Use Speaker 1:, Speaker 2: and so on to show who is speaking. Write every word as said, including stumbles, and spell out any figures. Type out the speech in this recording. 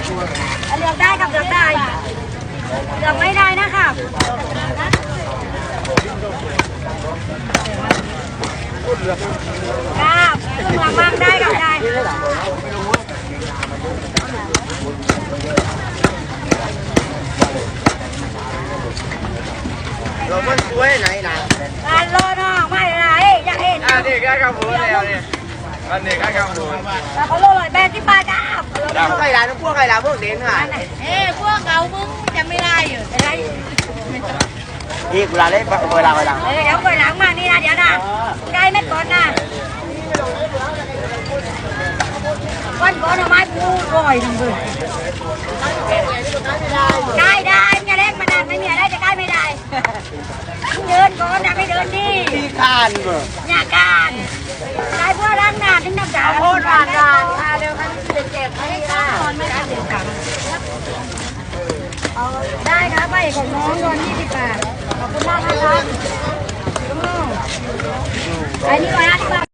Speaker 1: เลือกได้กับเลือกได้เลือกไม่ได้นะครับครับเลือกมากได้กับได้
Speaker 2: เราไม่ช่วยไหนนะ
Speaker 1: การรอน้องไม่ไรอยากเห็น
Speaker 2: อันนี้แค่กำพูนแล้วเนี่ยอันนี้แค่กำพูน
Speaker 1: แล้วเขาโลลอยแบนที่ปลาจ้า
Speaker 2: พวกใครร้านพวกใครร้านพวกเด่นค่ะ
Speaker 1: เอ้พวกเรามึงจะไม่ได้อยู่จะได้
Speaker 2: นี่เวลาเล่นเวลาเวลา
Speaker 1: เดี๋ยวไปหลังมานี่นะเดี๋ยวนะใกล้ไม่ก่อนนะก้อนก้อนเอาไม้ปูร่อยทั้งคืนใกล้ได้ไม่เล่นมานานไม่มีอะไรจะใกล้ไม่ได้เดินก่อนนะไม่เดินดิ
Speaker 2: ที่ข้านเบอร์
Speaker 1: เนี่ยการใกล้พวกล้างนาถึงน้ำจ่าโคตรร้านร้านเดี๋ยวคันเจ็บๆให้ค่ะไม่ได้เจ็บกันได้ครับไปของน้องโดนยี่สิบบาทขอบคุณมากนะครับไอ้นี่ก่อนนะที่บ้าน